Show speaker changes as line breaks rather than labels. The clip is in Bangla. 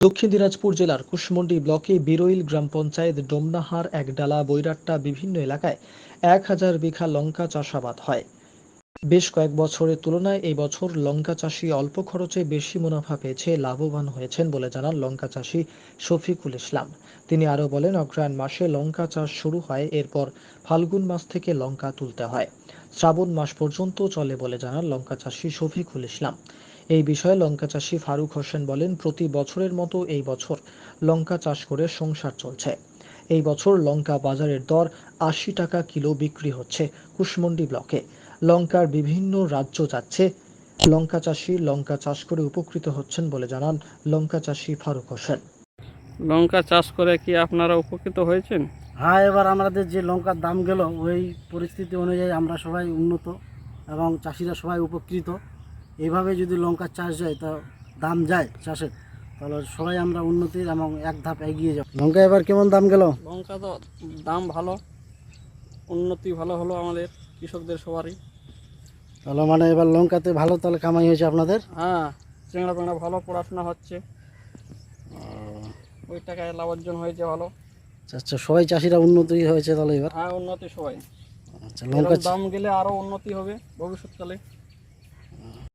দক্ষিণ দিনাজপুর জেলার কুশমন্ডি ব্লকে বিরইল গ্রাম পঞ্চায়েত ডোমনাহার একডালা বৈরাট্টা বিভিন্ন এলাকায় ১,০০০ বিঘা লঙ্কা চাষাবাদ হয়। বেশ কয়েক বছরের তুলনায় এই বছর লঙ্কা চাষি অল্প খরচে বেশি মুনাফা পেয়েছে লাভবান হয়েছেন বলে জানান লঙ্কা চাষি শফিকুল ইসলাম। তিনি আরও বলেন, অগ্রহায়ণ মাসে লঙ্কা চাষ শুরু হয়, এরপর ফাল্গুন মাস থেকে লঙ্কা তুলতে হয়, শ্রাবণ মাস পর্যন্ত চলে বলে জানান লঙ্কা চাষি শফিকুল ইসলাম। এই বিষয়ে লঙ্কা চাষি ফারুক হোসেন বলেন, প্রতি বছরের মতো এই বছর লঙ্কা চাষ করে সংসার চলছে। এই বছর লঙ্কা বাজারের দর ৮০ টাকা কিলো বিক্রি হচ্ছে। কুশমন্ডি ব্লকে লঙ্কার বিভিন্ন রাজ্য যাচ্ছে। লঙ্কা চাষি লঙ্কা চাষ করে উপকৃত হচ্ছেন বলে জানান লঙ্কা চাষি ফারুক হোসেন।
লঙ্কা চাষ করে কি আপনারা উপকৃত হয়েছেন?
হ্যাঁ, এবার আমাদের যে লঙ্কার দাম গেল ওই পরিস্থিতি অনুযায়ী আমরা সবাই উন্নত এবং চাষিরা সবাই উপকৃত। এইভাবে যদি লঙ্কার চাষ যায়, তা দাম যায় চাষের, তাহলে সবাই আমরা উন্নতির এবং এক ধাপ এগিয়ে যাব। লঙ্কা এবার কেমন দাম গেল?
লঙ্কা তো দাম ভালো, উন্নতি ভালো হলো আমাদের কৃষকদের সবারই।
তাহলে মানে এবার লঙ্কাতে ভালো তাহলে কামাই হয়েছে আপনাদের?
হ্যাঁ, চেংড়া পেংড়া ভালো পড়াশোনা হচ্ছে, ওই টাকায় লাভ অর্জন হয়েছে ভালো।
আচ্ছা, সবাই চাষিরা উন্নতি হয়েছে তাহলে এবার?
হ্যাঁ, উন্নতি সবাই।
আচ্ছা, লঙ্কা
দাম গেলে আরো উন্নতি হবে ভবিষ্যৎকালে।